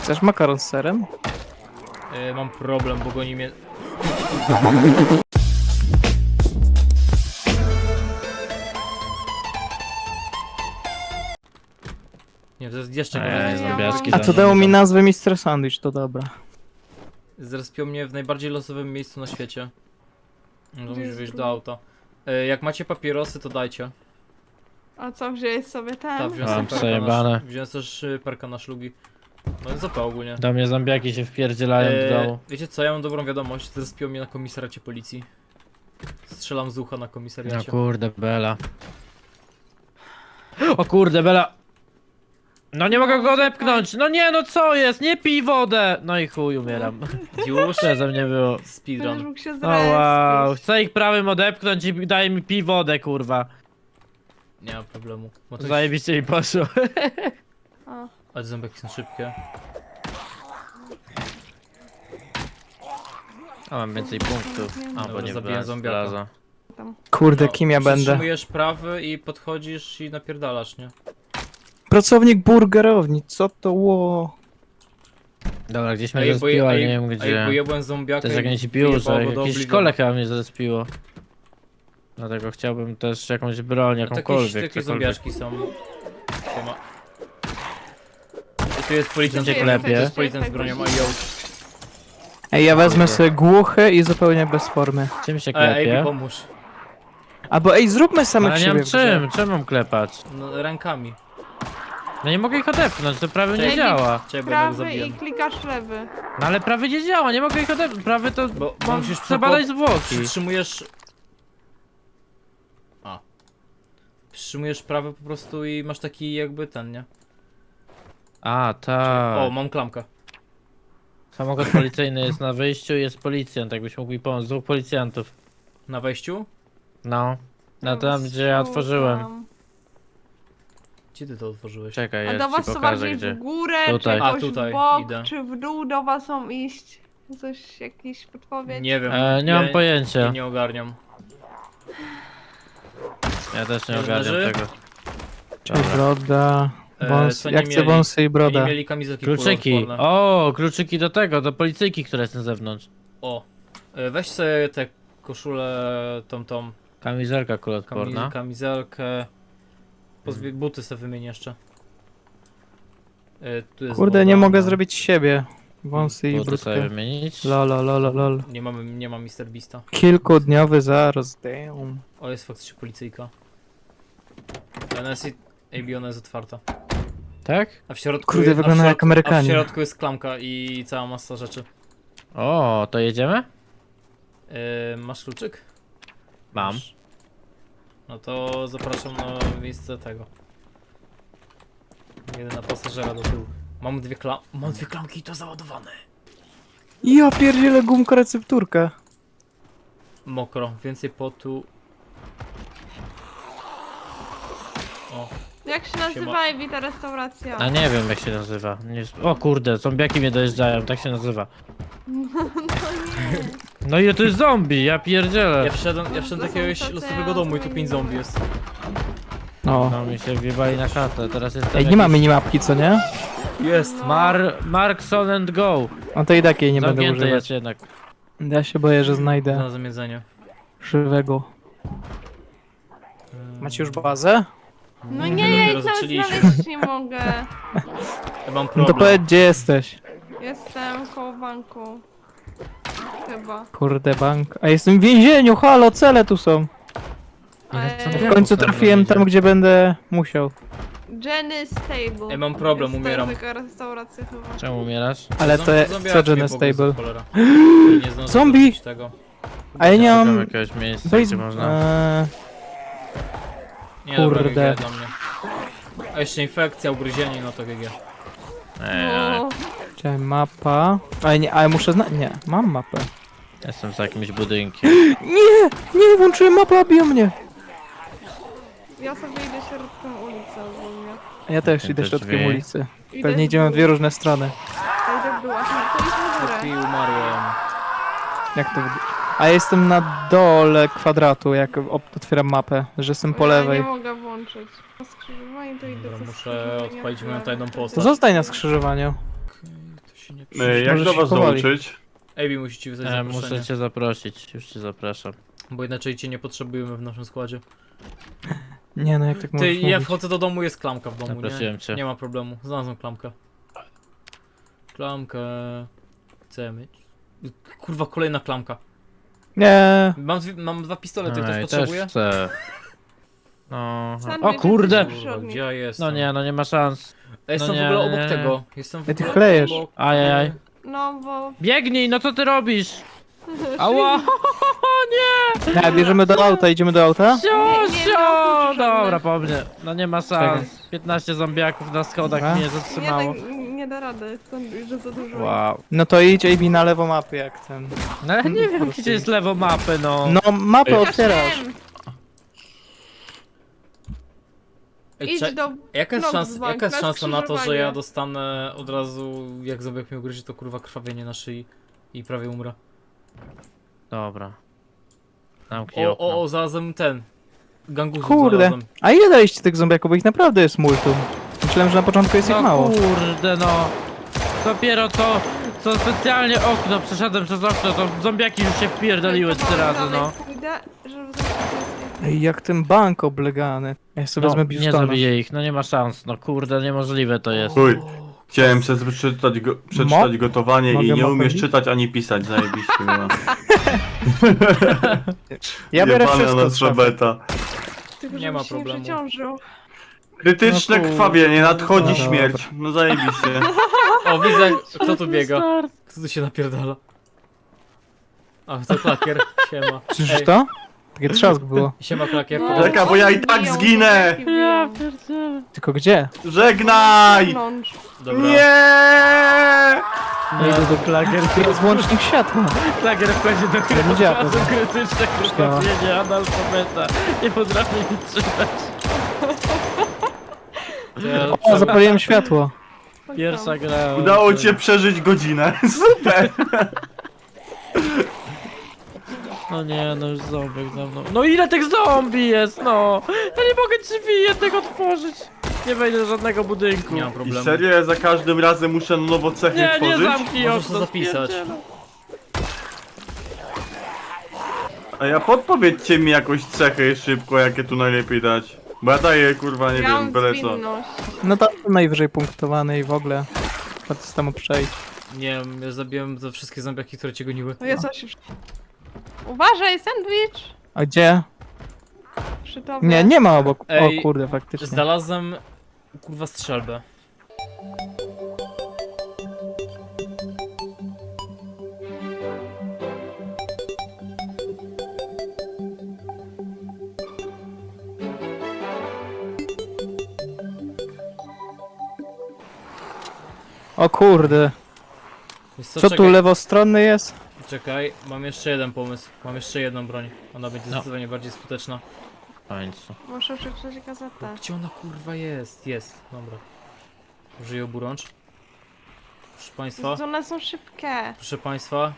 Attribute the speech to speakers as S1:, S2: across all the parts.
S1: Chcesz makaron z serem?
S2: Mam problem, bo goni mnie... Nie, to jest jeszcze gorzej.
S3: zombiaczki
S1: A
S3: za
S1: to
S3: mną
S1: dało mi
S3: idą.
S1: nazwę Mr. Sandwich, to dobra.
S2: Zrespią mnie w najbardziej losowym miejscu na świecie. No to musisz
S4: jest
S2: wyjść do
S4: drugi?
S2: auta. Jak macie papierosy, to dajcie.
S4: A co, wziąłeś sobie ten?
S2: Tak, wziąłem
S3: Mam
S2: sobie
S3: przejebane.
S2: wziąłem też perka na szlugi. No jest OP ogólnie.
S3: Do mnie zombiaki się wpierdzielają do domu.
S2: Wiecie co, ja mam dobrą wiadomość. Zrespią mnie na komisariacie policji. Strzelam z ucha na
S3: No
S2: komisariacie.
S3: kurde, Bela. O kurde, Bela. No nie mogę go odepchnąć. No nie, no co jest? Nie pij wodę. No i chuj, umieram.
S2: Już?
S3: Co ze mnie było?
S4: Będziesz
S2: Speedrun.
S4: mógł się
S3: O
S4: zrespić.
S3: wow. Chcę ich prawym odepchnąć i daje mi pij wodę, kurwa.
S2: Nie ma problemu. Bo to
S3: Zajebiście mi poszło.
S4: O,
S2: Ale zombiaki są szybkie.
S3: A mam więcej punktów. A, bo
S2: Dobra,
S3: nie
S2: zabiję
S3: wybrałem
S2: zombiaka.
S3: żelaza.
S4: tam.
S1: Kurde, kim ja będę?
S2: Przytrzymujesz prawy i podchodzisz i napierdalasz, nie?
S1: Pracownik burgerowni, co to ło?
S3: Dobra, gdzieś mnie zrespiło, ale nie wiem gdzie.
S2: bo jebłem zombiaka
S3: To jest jak
S2: i
S3: nie ci piło,
S2: wyjebało
S3: że
S2: go do
S3: jakieś
S2: Oblivion.
S3: szkole chyba mnie zrespiło. Dlatego chciałbym też jakąś broń, jakąkolwiek,
S2: Takie
S3: cokolwiek.
S2: zombiaczki są. Siema. I tu jest policjant,
S3: Gdzie klepie?
S2: to jest policjant z bronią, a yo.
S1: Ej, ja wezmę sobie głuche i zupełnie bez formy.
S3: Czym się
S2: Ej,
S3: klepie?
S2: pomóż.
S1: Albo ej, zróbmy samych
S3: Ale nie
S1: siebie
S3: mam
S1: w grze.
S3: czym mam klepać?
S2: No, rękami.
S3: No nie mogę ich odepchnąć, to prawy nie
S2: Cześć.
S3: działa.
S2: Ciebie go
S4: Prawy
S2: zabiję.
S4: i klikasz lewy.
S3: No ale prawy nie działa, nie mogę ich odepchnąć. Prawy to
S2: Bo
S3: mam
S2: musisz
S3: trzeba dać zwłoki.
S2: Przytrzymujesz... A. Przytrzymujesz prawy po prostu i masz taki jakby ten, nie?
S3: A, tak.
S2: O, mam klamkę.
S3: Samochód policyjny jest na wyjściu i jest policjant, jakbyś mógł mi pomóc. Dwóch policjantów.
S2: Na wejściu?
S3: No. Na
S4: Dobra,
S3: tam, gdzie ja
S4: strzał
S3: otworzyłem.
S4: tam.
S2: Gdzie ty to otworzyłeś?
S3: Czekaj,
S4: A
S3: ja
S4: do
S3: ci
S4: was to
S3: pokażę
S4: bardziej
S3: gdzie.
S4: w górę,
S3: Tutaj.
S4: czy
S2: A,
S4: jakoś
S2: tutaj,
S4: w bok,
S2: idę.
S4: czy w dół do was są iść? Coś, jakiś podpowiedź?
S2: Nie wiem.
S3: Nie mam
S2: Ja
S3: pojęcia.
S2: nie ogarniam.
S3: Ja też nie
S2: Już
S3: ogarniam
S2: leży?
S3: tego.
S1: Cześć, broda. Wąs,
S2: co nie
S1: ja chcę
S2: mieli?
S1: wąsy i
S2: Nie
S1: broda.
S2: mieli kamizelki
S3: Kluczyki.
S2: kuloodporne.
S3: O, kluczyki do tego, do policyjki, która jest na zewnątrz.
S2: O. Weź sobie tę koszulę, tą
S3: Kamizelka kuloodporna.
S2: kamizelkę. Buty sobie wymień jeszcze. Tu jest
S1: Kurde,
S2: woda,
S1: nie mogę
S2: no.
S1: zrobić siebie. Wąsy i
S3: Buty sobie
S1: brudkę.
S3: wymienić.
S1: Lolo, lolo, lol.
S2: Nie mam Mr. Beasta.
S1: Kilkudniowy zaraz, damn.
S2: O, jest faktycznie policyjka. Ona jest, ona jest otwarta.
S3: Tak?
S2: A w środku
S1: Kurde, wygląda jak
S2: A w
S1: Amerykanie.
S2: środku jest klamka i cała masa rzeczy.
S3: O, to jedziemy?
S2: Masz kluczyk?
S3: Mam.
S2: Masz. No to zapraszam na miejsce tego. Jeden na pasażera do tyłu. Mam dwie klamki i to załadowane.
S1: Ja pierdzielę gumka recepturka.
S2: Mokro, więcej potu. O,
S4: Jak się nazywa Ewi ta restauracja?
S3: A nie wiem jak się nazywa. Nie... O kurde, zombiaki mnie dojeżdżają, tak się nazywa. No i to jest zombie, ja pierdzielę.
S2: ja wszedłem do
S4: To są
S2: jakiegoś
S4: tacy
S2: losowego domu i tu 5 zombie jest.
S1: No.
S3: No mi się wjebali na chatę, teraz jest
S1: Ej, nie ma minimapki, co nie?
S2: Jest!
S3: Markson and go.
S1: No to i takiej nie będę
S3: Zamknięte
S1: używać.
S3: jest jednak.
S1: Ja się boję, że znajdę
S2: Znalazłem jedzenie.
S1: żywego. Macie już bazę?
S4: No
S2: Nie,
S4: nie,
S2: dopiero
S4: ja ich nawet
S2: zaczęliśmy.
S4: znaleźć nie mogę.
S2: Ja mam
S1: No to
S2: problem.
S1: powiedz, gdzie jesteś.
S4: Jestem koło banku. Chyba.
S1: Kurde, bank. A jestem w więzieniu, halo, cele tu są. W końcu trafiłem tam, gdzie będę musiał.
S4: Jenny Stable.
S2: Ja mam problem,
S4: Jest
S2: umieram.
S4: To taka restauracja chyba.
S3: Czemu umierasz?
S1: Ale to
S2: Zombiaczki
S1: co
S2: mnie
S1: Jenny
S2: pogryzły,
S1: Stable?
S2: cholera. Nie zdążę
S1: Zombie!
S2: zrobić tego.
S1: A ja nie
S3: Szukam
S1: mam...
S3: jakiegoś miejsca,
S1: Weź...
S3: gdzie można...
S2: Nie, dobra,
S1: Kurde.
S2: GG dla mnie. A jeszcze infekcja, ugryzienie, no to GG.
S4: No,
S1: Chciałem mapa... Ale nie, ale muszę znać... Nie, mam mapę.
S3: Jestem za jakimś budynkiem.
S1: Nie! Nie, włączyłem mapę, a biją mnie.
S4: ja sobie idę środkiem ulicy ogólnie.
S1: Ja też
S3: Te
S1: idę środkiem
S3: drzwi.
S1: ulicy.
S4: Idę
S1: Pewnie
S4: w
S1: idziemy w
S4: dół.
S1: dwie różne strony.
S4: To idę w dół, a to idź w górę.
S2: I umarłem.
S1: Jak to... A ja jestem na dole kwadratu, jak otwieram mapę, że jestem po
S4: Ja
S1: lewej.
S4: nie mogę włączyć. Na skrzyżowanie to idę
S2: Dobra,
S4: ze
S2: muszę
S4: skrzyżowania
S2: odpalić
S4: w
S2: moją
S4: lewo.
S2: tajną
S1: To
S2: postać.
S1: zostań na skrzyżowaniu.
S2: się nie
S5: Jak
S1: Może
S5: do
S1: się
S5: was
S1: powoli.
S5: dołączyć?
S2: Ejbi musi ci wysłać zaproszenie,
S3: Muszę cię zaprosić, już cię zapraszam.
S2: bo inaczej cię nie potrzebujemy w naszym składzie.
S1: Nie no, jak tak
S2: Ty,
S1: możesz
S2: ja
S1: mówić?
S2: wchodzę do domu, jest klamka w domu,
S3: Zaprosiłem
S2: nie?
S3: cię.
S2: Nie ma problemu, znalazłem klamkę. Klamkę... Chcę mieć... Kurwa, kolejna klamka.
S1: Nie.
S2: Mam dwa pistolety, ktoś
S3: Ej,
S2: potrzebuje?
S3: też chcę. No.
S4: Sandwich
S3: O kurde!
S4: jesteś
S2: Kurwa,
S4: Przodnik.
S2: gdzie ja jestem?
S3: No nie, no nie ma szans.
S2: Ja jestem
S3: no
S2: w
S3: nie,
S2: ogóle
S3: nie,
S2: obok
S3: nie.
S2: tego. Jestem w
S1: Ej, ty
S2: ogóle
S1: chlejesz.
S2: obok...
S3: Ajajaj.
S4: No bo...
S3: Biegnij, no co ty robisz? Ała!
S1: Nie, bierzemy do auta, idziemy do auta?
S3: Siosio!
S4: nie,
S3: Dobra, po mnie. No nie ma
S1: Czekaj.
S3: szans. 15 zombiaków na schodach
S1: Dobra.
S3: mnie
S4: Nie,
S3: zatrzymało.
S4: tak, nie da rady, sandwich, że za dużo.
S3: Wow.
S1: No to idź AB na lewo mapy jak ten.
S3: No ale nie
S1: Po
S3: wiem
S1: prostu
S3: gdzie jest lewo mapy, no.
S1: No mapę
S5: Ej.
S1: otwierasz.
S4: Wiem,
S2: Ej,
S4: idź do...
S2: jaka jest
S4: Knoxbank,
S2: jaka jest
S4: na
S2: szansa na to, że ja
S4: skrzyżowanie.
S2: dostanę od razu, jak zombiak mnie ugryzie, to kurwa krwawienie na szyi i prawie umrę.
S3: Dobra. Zamknij okno.
S2: O, znalazłem ten. Gangusów
S1: Kurde.
S2: znalazłem.
S1: A ile daliście tych zombiaków, bo ich naprawdę jest multum. Myślałem, że na początku jest ich
S3: No
S1: mało.
S3: kurde no. Dopiero co specjalnie okno, przeszedłem przez okno, to zombiaki już się wpierdoliły 3 razy, no.
S4: Pójdę, żeby zobaczyć.
S1: Ej, jak ten bank oblegany. Ja sobie
S3: No,
S1: wezmę
S3: nie
S1: Bistona.
S3: zabiję ich, no nie ma szans, no kurde, niemożliwe to jest.
S5: Chuj. Chciałem przeczytać gotowanie
S1: Mogę
S5: i nie
S1: mapę
S5: umiesz
S1: bić?
S5: czytać ani pisać, zajebiście. No.
S1: Ja biorę
S5: Jebana
S1: wszystko
S5: na
S1: z szafy.
S5: trzebeta.
S4: Tylko
S2: Nie ma
S4: żebyś się
S2: problemu.
S4: nie przeciążył.
S5: Krytyczne
S1: No
S5: krwawienie, nadchodzi
S1: no
S5: śmierć. No zajebiście.
S2: O, widzę, kto tu biega. Kto tu się napierdala? A, to klakier. Siema.
S1: Słyszysz to? Takie trzask było.
S2: Siema klakier.
S4: No,
S5: Czekaj, bo ja i tak
S4: biją,
S5: zginę.
S4: zombiaki biją.
S3: pierdzielę.
S1: Tylko gdzie?
S5: Żegnaj!
S4: Wewnątrz.
S2: Dobra.
S5: Nie!
S1: Nie idę do klagier. To jest włącznik światła.
S3: Klagier wchodzi do
S1: Ja nie działa
S3: krytyka,
S1: to.
S3: krytyczne krwawienie, analfabeta. Nie potrafię nic czytać.
S2: To ja
S1: O, zapaliłem światło.
S3: Pierwsza gra.
S5: Udało ci się przeżyć godzinę. Super!
S3: No nie, no już zombie za mną. No ile tych zombie jest, no! Ja nie mogę drzwi jednego otworzyć. Nie wejdę do żadnego budynku.
S2: nie mam
S5: I
S2: problemu.
S5: serio, ja za każdym razem muszę na nowo cechy
S3: Nie, nie
S5: tworzyć?
S3: zamknij
S2: Możesz
S3: okno,
S2: to zapisać.
S3: spierdzielę.
S5: A ja podpowiedzcie mi jakoś cechy szybko, jakie tu najlepiej dać. Bo ja daję, kurwa, nie
S4: Ja
S5: wiem,
S4: mam
S5: byle co.
S4: zwinność.
S1: No tam najwyżej punktowany i w ogóle. Trzeba to samo przejść.
S2: Nie wiem, ja zabiłem te wszystkie zombiaki, które cię goniły.
S4: No ja coś już... Uważaj, sandwich!
S1: A gdzie?
S4: Przy tobie.
S1: Nie, nie ma obok.
S2: Ej,
S1: O kurde, faktycznie.
S2: Znalazłem, kurwa, strzelbę.
S1: O kurde.
S2: Wiesz
S1: Co tu
S2: czekaj,
S1: lewostronny jest?
S2: czekaj, mam jeszcze jeden pomysł. Mam jeszcze jedną broń. Ona będzie
S3: No.
S2: zdecydowanie bardziej skuteczna.
S3: W końcu.
S4: Muszę przeczytać gazetę.
S2: Gdzie ona kurwa jest? Jest, dobra. Użyję oburącz. Proszę państwa,
S4: One są szybkie.
S2: proszę państwa.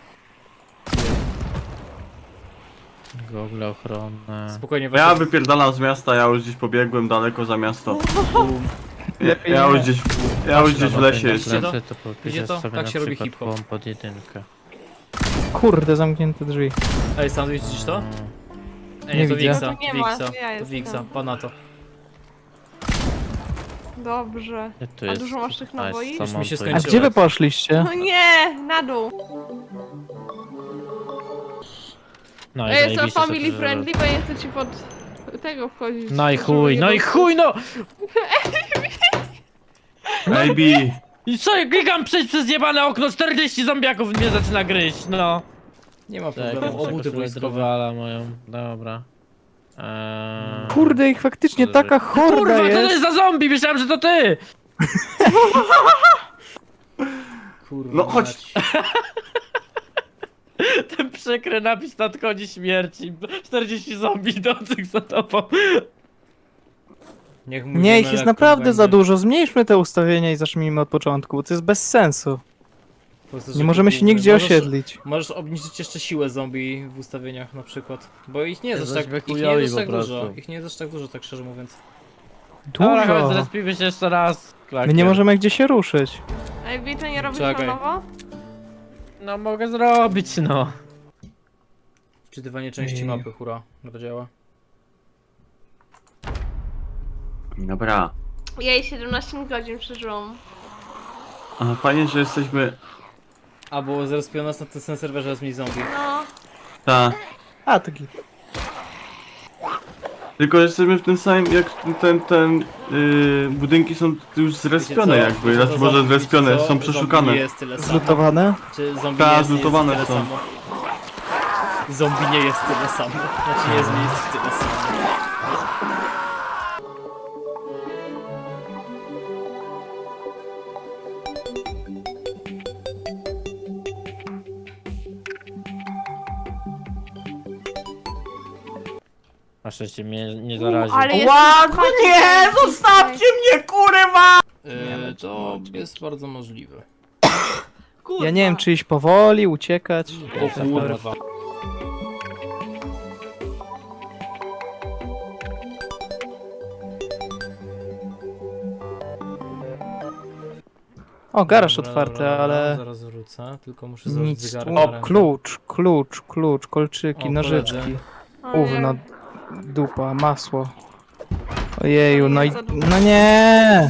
S3: Gogle ochronne.
S2: Spokojnie,
S5: Ja
S2: weź.
S5: wypierdalam z miasta, ja już gdzieś pobiegłem daleko za miasto.
S1: Lepiej
S5: Ja
S1: nie.
S5: już gdzieś w lesie
S2: Widzicie
S5: jestem.
S2: to?
S3: To
S2: Widzicie to?
S3: sobie
S2: Tak
S3: na
S2: się robi
S3: przykład
S2: hip-hop.
S3: pom pod jedynkę.
S1: Kurde, zamknięte drzwi.
S2: Ej, sandwich, widzisz to? Ej,
S1: Nie
S2: to
S1: widzę.
S2: Wiksa,
S4: No to nie ma,
S2: Wiksa,
S4: to ja
S2: to
S4: jestem.
S2: Wiksa, pana to.
S4: Dobrze.
S3: Gdzie tu
S4: A
S3: jest?
S4: dużo masz tych
S3: A, jest
S4: naboi?
S3: samon,
S2: mi się
S3: to
S1: A
S3: jest-
S1: gdzie wy poszliście?
S4: No nie, na dół.
S3: No i
S4: Ja jestem
S3: zajebiście
S4: family
S3: sobie, że-
S4: friendly, bo nie chcę ci pod tego wchodzić.
S3: No i
S4: żeby
S3: chuj,
S4: nie
S3: no i
S4: było-
S3: chuj, no!
S5: Maybe.
S3: I co, ja klikam przejść przez jebane okno, 40 zombiaków mnie zaczyna gryźć, no.
S2: Nie ma
S3: Czekaj,
S2: problemu,
S3: muszę
S2: obuty
S3: koszulę
S2: wojskowe.
S3: drwala moją, dobra.
S1: Kurde, ich faktycznie taka horda
S3: Kurwa, co to
S1: jest.
S3: jest za zombie? Myślałem, że to ty!
S2: Kurwa
S5: No chodź.
S2: mać.
S3: Ten przykry napis nadchodzi śmierci. 40 zombie idących za tobą.
S2: Niech mój
S1: Nie, ich
S2: Gemelek
S1: jest naprawdę
S2: będzie.
S1: za dużo. Zmniejszmy te ustawienia i zacznijmy od początku, bo to jest bez sensu.
S2: Po prostu,
S1: Nie
S2: żeby
S1: możemy się
S2: główny-
S1: nigdzie
S2: możesz-
S1: osiedlić.
S2: Możesz obniżyć jeszcze siłę zombie w ustawieniach na przykład. Bo ich nie jest aż tak,
S3: Jesteśmy
S2: ich nie
S3: chujowi
S2: jest aż tak
S3: po
S2: dużo.
S3: prostu.
S2: Ich nie jest aż tak dużo, tak szczerze mówiąc.
S3: Dobra, chodź,
S1: Dużo.
S3: zrespimy się jeszcze raz.
S1: My nie możemy gdzie się ruszyć.
S4: Ej, Wito, nie robisz
S2: Czekaj.
S4: na nowo?
S3: No mogę zrobić, no.
S2: Wczytywanie części
S1: Ej.
S2: mapy, hura. To działa.
S5: Dobra.
S4: Jej, 17 godzin przeżyłam.
S5: A fajnie, że jesteśmy...
S2: A, bo zrespią nas na tym serwerze jest mniej zombie.
S4: No,
S5: Ta.
S1: A, to git.
S5: Tylko że jesteśmy w tym samym, jak budynki są już zrespione
S2: Wiecie co?
S5: jakby,
S2: To
S5: znaczy może
S2: zombie-
S5: zrespione,
S2: wiecie co?
S5: są
S2: Zombie
S5: przeszukane.
S2: nie jest tyle samo.
S1: Zlutowane?
S2: Czy zombie
S5: Ta,
S2: nie jest,
S5: zlutowane
S2: nie jest tyle
S5: są.
S2: samo? Zombie nie jest tyle samo. Znaczy nie jest tyle samo.
S3: Na szczęście mnie nie zarazi.
S4: ale jest...
S5: Ładno, nie! Zostawcie mnie, kurwa!
S2: To jest bardzo możliwe.
S4: Kurwa.
S1: Ja nie wiem, czy iść powoli, uciekać.
S2: O kurwa.
S1: O, garaż
S2: Dobra,
S1: otwarty,
S2: dobra,
S1: ale...
S2: zaraz wrócę, tylko muszę zrobić
S1: Nic
S2: zegarek
S1: tu.
S2: na
S1: O,
S2: rękę.
S1: klucz, kolczyki,
S2: O,
S1: nożyczki.
S2: koledzy.
S4: O nie.
S1: Gówno, dupa, masło. Ojeju, no i... No nie!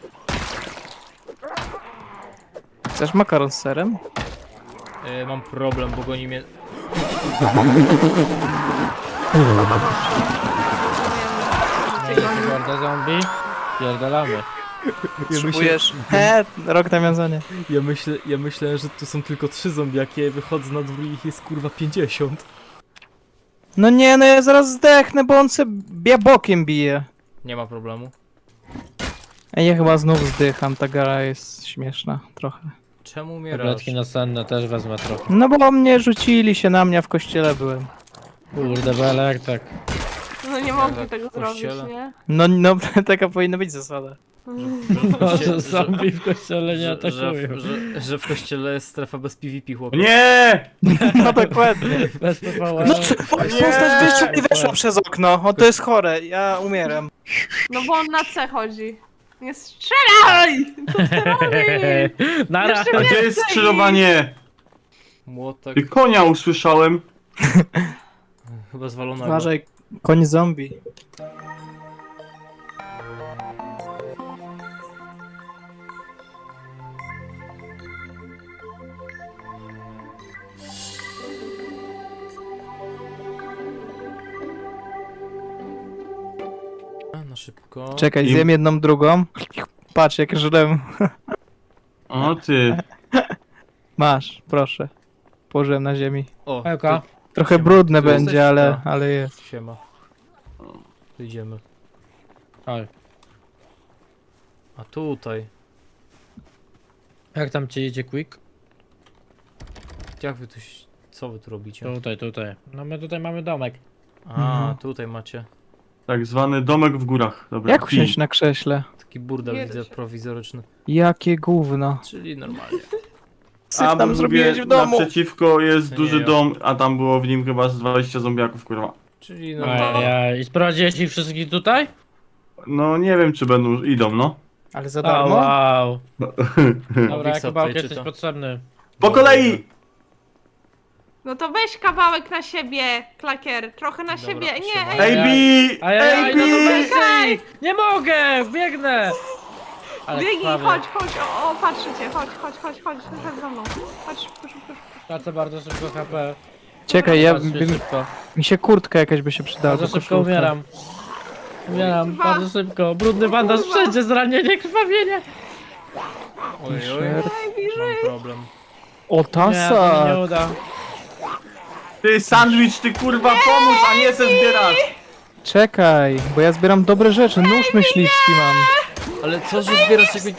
S1: Chcesz makaron z serem?
S2: Mam problem, bo goni mnie...
S3: Horda zombie. Pierdolamy.
S1: Potrzebujesz... Rok nawiązania.
S2: Ja myślę, że tu są tylko 3 zombiaki, a wychodzę na dwór i ich jest kurwa 50.
S1: No nie, no ja zaraz zdechnę, bo on se bokiem bije.
S2: Nie ma problemu.
S1: Ej, ja chyba znów zdycham, ta gara jest śmieszna trochę.
S2: Czemu umierasz?
S3: Tabletki nasenne też wezmę trochę.
S1: No bo mnie rzucili się na mnie, a w kościele byłem.
S3: Kurde, belek, tak.
S4: No nie mogli
S2: Jak
S4: tego
S2: w kościele?
S4: zrobić, nie?
S1: No, taka powinna być zasada.
S3: Może zombie w kościele nie
S2: że,
S3: atakują.
S2: że w kościele jest strefa bez PvP, chłopie.
S5: Nie!
S1: No dokładnie.
S3: Bez PvP.
S1: No postać wyszła i weszła przez okno. O, to jest chore, ja umieram.
S4: No bo on na C chodzi. Nie strzelaj! Co ty robisz?
S3: Nara!
S4: Jeszcze
S5: A gdzie jest skrzyżowanie?
S2: Młotek,
S5: Ty konia usłyszałem.
S2: chyba zwalonego.
S1: Uważaj, koń zombie.
S2: Na szybko.
S1: Czekaj,
S5: I-
S1: zjem jedną, drugą. Patrz, jak żrem.
S5: O ty.
S1: Masz, proszę. Położyłem na ziemi.
S2: O,
S3: Elka.
S1: Trochę
S2: Siema.
S1: brudne
S2: Tu jesteś?
S1: będzie,
S2: Tak.
S1: ale jest.
S2: Siema. Tu idziemy.
S3: Oj.
S2: A tutaj.
S3: Jak tam ci idzie quick?
S2: Jak wy tu... Co wy tu robicie?
S3: Tutaj. No my tutaj mamy domek.
S2: A,
S1: Mhm.
S2: tutaj macie.
S5: Tak zwany domek w górach. Dobra.
S1: Jak usiąść na krześle?
S2: Taki burdel
S4: Nie
S2: widzę
S4: da się.
S2: prowizoryczny.
S1: Jakie gówno.
S2: Czyli normalnie.
S1: Syf tam
S5: mówię,
S1: zrobiłeś w domu.
S5: naprzeciwko jest
S2: Nie,
S5: duży
S2: ja.
S5: dom, a tam było w nim chyba z 20 zombiaków, kurwa.
S2: Czyli normalnie.
S3: Ojej. I sprowadziłeś ich wszystkich tutaj?
S5: No nie wiem, czy idą, no.
S1: Ale za
S3: O,
S1: darmo?
S3: wow. Dobra,
S2: Wiksa
S3: jak
S2: tutaj
S3: jesteś
S2: czyta.
S3: potrzebny.
S5: Po kolei!
S4: No to weź kawałek na siebie, klakier. Trochę na
S2: Dobra,
S4: siebie. Nie,
S2: siema.
S4: ej,
S5: AB!
S3: Ajaj, no to
S5: AB!
S3: weź! Nie mogę! Biegnę! Ale
S4: biegnij,
S3: krwawy.
S4: chodź. O, patrzę cię. Chodź za mną. Chodź, szybko.
S3: Tracę bardzo szybko HP.
S1: Czekaj, ja
S3: Patrzcie szybko.
S1: mi się kurtka jakaś by się przydała.
S3: Bardzo
S1: do
S3: szybko
S1: koszulka.
S3: umieram. Umieram,
S4: Kurwa.
S3: bardzo szybko. Brudny bandaż
S4: Kurwa.
S3: wszędzie, zranienie, krwawienie.
S2: Oj, oj,
S1: Shirt.
S2: mam problem.
S1: O,
S3: Nie, to mi
S1: tasa!
S3: nie uda.
S5: Ty sandwich, ty kurwa pomóż, a nie se zbierasz!
S1: Czekaj, bo ja zbieram dobre rzeczy. Nóż myśliwski mam.
S2: Ale co, że zbierasz jakby...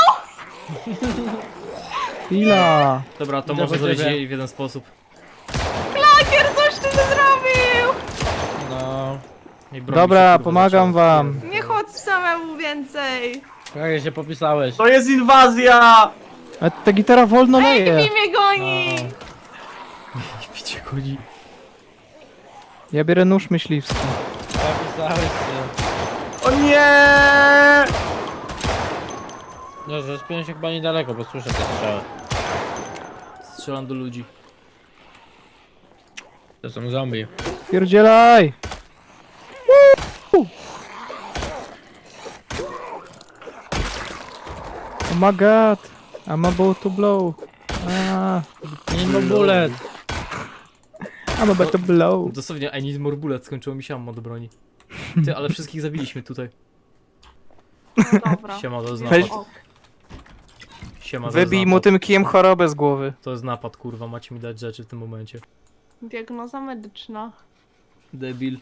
S1: Chwila.
S2: Dobra, to
S3: Idę
S2: może
S3: po
S2: zrobić
S3: ciebie.
S2: jej w jeden sposób.
S4: Klakier, coś ty zrobił!
S3: No.
S2: I broń
S1: Dobra,
S2: się, kurwa,
S1: pomagam
S2: zaczęła.
S1: wam.
S4: Nie chodź samemu więcej.
S3: Jak się popisałeś?
S5: To jest inwazja!
S1: A ta gitara wolno leje.
S4: Ej, mnie goni!
S2: Widzicie, chodzi.
S1: Ja biorę nóż myśliwski.
S3: Popisałeś się.
S5: O nie!
S3: No, zespiłem się chyba niedaleko, bo słyszę te strzały.
S2: Strzelam do ludzi.
S3: To są zombie.
S1: Pierdzielaj! Oh my god! I'm about to blow.
S3: Nie ma bullet.
S1: I'm about to blow.
S2: Dosłownie, I need more bullets, skończyło mi się ammo do broni. Ty, ale wszystkich zabiliśmy tutaj.
S4: No dobra.
S2: Siema, to jest
S1: Weź-
S2: napad.
S4: O,
S2: Siema, to jest
S1: Wybij mu
S2: napad.
S1: tym kijem chorobę z głowy.
S2: To jest napad, kurwa, macie mi dać rzeczy w tym momencie.
S4: diagnoza medyczna.
S2: Debil.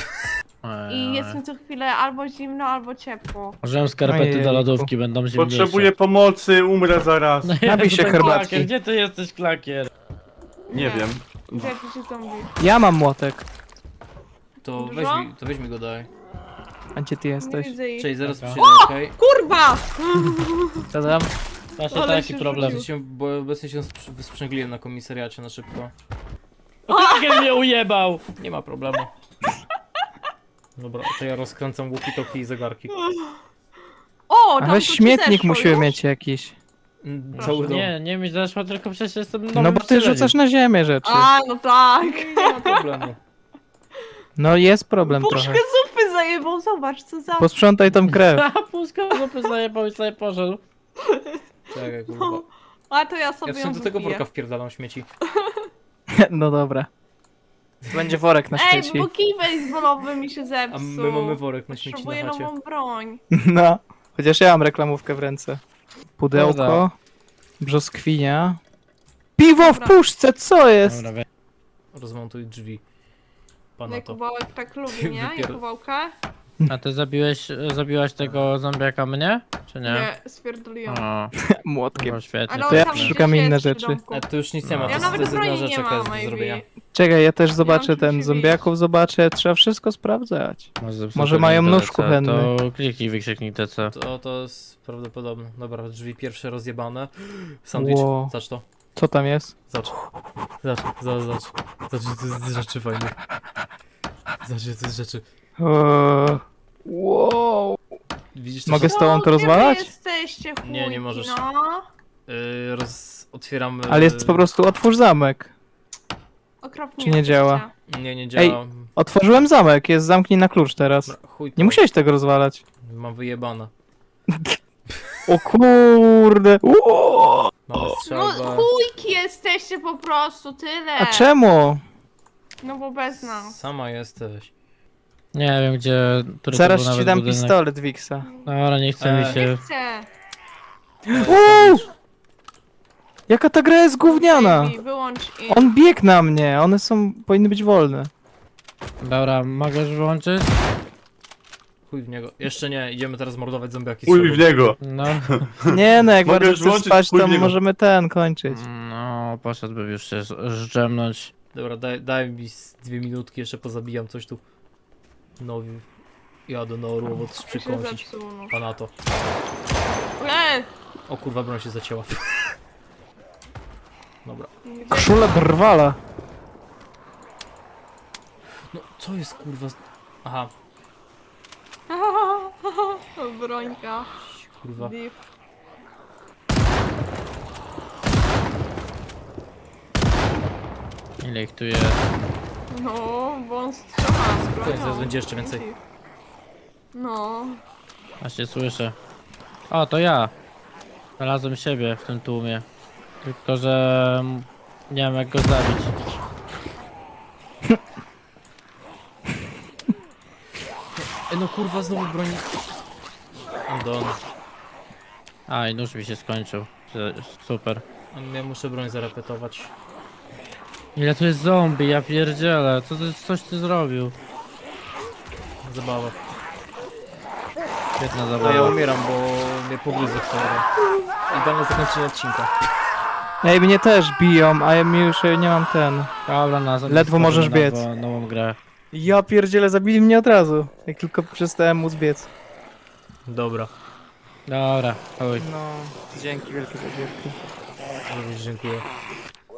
S4: I jest mi co chwilę albo zimno, albo ciepło.
S3: Użyłem skarpety
S1: Ojejku.
S3: do lodówki, będą zimniejsze.
S5: Potrzebuję pomocy, umrę zaraz.
S3: No
S1: Napij
S3: Jezu,
S1: się
S3: ten
S1: herbatki.
S3: klakier, gdzie ty jesteś, klakier?
S5: Nie wiem.
S4: Gdzie jakiś zombie?
S1: Ja mam młotek.
S2: To
S4: Dużo?
S2: weź mi go daj.
S1: A gdzie ty
S4: Nie
S1: jesteś?
S4: widzę ich.
S2: Cześć, zaraz
S3: Dobra.
S2: przyjdę, okej?
S4: Kurwa!
S1: Co tam?
S3: Właśnie
S4: Ale
S3: taki
S4: się
S3: problem.
S4: rzucił.
S2: Bo obecnie się wysprzęgliłem na komisariacie na szybko.
S3: O, klakier mnie ujebał!
S2: Nie ma problemu. Dobra, to ja rozkręcam walkie-talkie i zegarki.
S4: O,
S1: A
S4: tam
S1: weź
S4: to ci
S1: śmietnik
S4: zeszło
S1: musimy
S4: już?
S1: mieć jakiś.
S2: Cały dom.
S3: Nie mi zeszło, tylko przecież jestem nowym
S1: No bo ty
S3: wcieleniem.
S1: rzucasz na ziemię rzeczy.
S4: A, no tak.
S2: Nie ma problemu.
S1: No jest problem
S4: Puszkę
S1: trochę.
S4: zupy zajebał, zobacz co za...
S1: Posprzątaj tą krew.
S3: A, puszka zupy zajebał i sobie poszedł.
S2: Czekaj, kurwa.
S4: A to ja sobie
S2: Ja w
S4: ją
S2: sumie do tego
S4: wypiję.
S2: worka wpierdalam śmieci.
S1: No dobra. Będzie worek na
S4: Ej,
S1: śmieci.
S4: bo kij baseballowy mi się
S2: A
S4: zepsuł.
S2: my mamy worek na śmieci
S4: Potrzebuję
S2: na chacie.
S4: nową broń.
S1: No. Chociaż ja mam reklamówkę w ręce. Pudełko.
S3: Dobra.
S1: Brzoskwinia. Piwo w
S4: Dobra.
S1: puszce, co jest?
S3: Dobra,
S2: Rozmontuj drzwi. Pana to.
S4: Jakubałek tak lubi, nie?
S2: Wypier-
S4: Jakubałkę?
S3: a ty zabiłaś tego zombiaka mnie? Czy nie?
S4: Nie, stwierdziliłem.
S3: O,
S1: Młotkiem.
S3: no świetnie.
S4: Ale on
S1: ja
S4: tam
S1: szukam
S4: gdzieś
S1: inne
S4: jest przy
S1: rzeczy.
S4: domku.
S2: A tu już nic nie ma,
S3: Ja
S2: to
S4: nawet
S2: jest jedyna
S4: broni nie
S2: rzecz jaka
S4: mam,
S2: jest do
S4: maybe.
S2: zrobienia.
S1: Czekaj, ja też
S4: mam
S1: zobaczę
S4: czym
S1: ten
S4: się
S1: zombiaków, zobaczę, trzeba wszystko sprawdzać.
S3: Może
S1: Może mają nóż
S3: TC,
S1: kuchenny.
S3: To kliknij, wykrzyknij TC.
S2: To jest prawdopodobne. Dobra, drzwi pierwsze rozjebane. Sandwich,
S1: Wow.
S2: zacz to.
S1: Co tam jest?
S2: Zacz, że to jest rzeczy fajne. Zacz, że to jest rzeczy.
S1: Wow.
S2: Widzisz to?
S1: Mogę
S2: co-
S1: z tobą to
S4: Gdzie
S1: rozwalać?
S4: wy jesteście, chujki,
S2: Nie, nie możesz.
S4: No.
S2: Otwieram...
S1: Ale jest po prostu otwórz zamek.
S4: Okropnie
S1: Czy nie
S4: jesteście.
S1: działa?
S2: Nie, nie działa.
S1: Otworzyłem zamek, jest zamknij na klucz teraz.
S2: Dobra, chuj to.
S1: Nie musiałeś tego rozwalać.
S2: Mam wyjebane.
S1: O kurde. Uuu.
S2: Mamy
S4: No
S2: strzelbę.
S4: chujki jesteście po prostu, tyle.
S1: A czemu?
S4: No bo bez nas.
S2: Sama jesteś.
S3: Nie wiem gdzie... który to
S1: Zaraz
S3: był
S1: ci
S3: nawet
S1: dam
S3: budynek.
S1: pistolet, Wixa.
S3: Dobra, nie chce mi
S2: Ej.
S3: się...
S4: Chcę.
S1: Uuu! Jaka ta gra jest gówniana?
S4: Baby, wyłącz i...
S1: On biegł na mnie, one powinny być wolne.
S3: Dobra, mogę już wyłączyć?
S2: Chuj w niego. Jeszcze nie, idziemy teraz mordować zombiaki. z
S5: Uj
S2: sobą.
S5: w niego.
S3: No,
S1: Nie no, jak
S5: Mogę
S1: bardzo
S5: już
S1: chcesz
S5: włączyć
S1: spać, to
S5: później.
S1: możemy kończyć.
S3: no, poszedłbym już się zdrzemnąć.
S2: Dobra, daj mi 2 minutki, jeszcze pozabijam coś tu. No, jadę na orłowo coś
S4: Mi się
S2: przykąsić.
S4: zepsuł, no.
S2: Pana to. O kurwa, broń się zacięła. Dobra.
S4: Gdzie...
S1: Koszula drwala.
S2: No, co jest kurwa? Aha,
S4: Brońka.
S2: kurwa.
S4: Div.
S3: Ile ich tu jest?
S4: No, bo on strzela z bronią.
S2: Zaraz będzie jeszcze więcej.
S4: No.
S3: Właśnie słyszę. O, to ja. Znalazłem siebie w tym tłumie. Tylko, że... nie wiem jak go zabić.
S2: No kurwa, znowu broń. I'm done.
S3: A, i nóż mi się skończył. Super.
S2: Ja muszę broń zarepetować.
S3: Ile tu jest zombie, ja pierdzielę. Coś ty zrobił?
S2: Zabawa.
S3: Świetna
S2: No ja
S3: zabawa.
S2: umieram, bo mnie pogryzł w idealne zakończenie odcinka.
S1: Ej, mnie też biją, a ja już nie mam ten.
S3: Dobra,
S1: Ledwo możesz biec.
S3: Nową grę.
S1: Ja pierdzielę, zabili mnie od razu. Jak tylko przestałem móc biec.
S2: Dobra,
S3: Dobra, chodź.
S1: No, dzięki wielkie za gierkę.
S2: również dziękuję.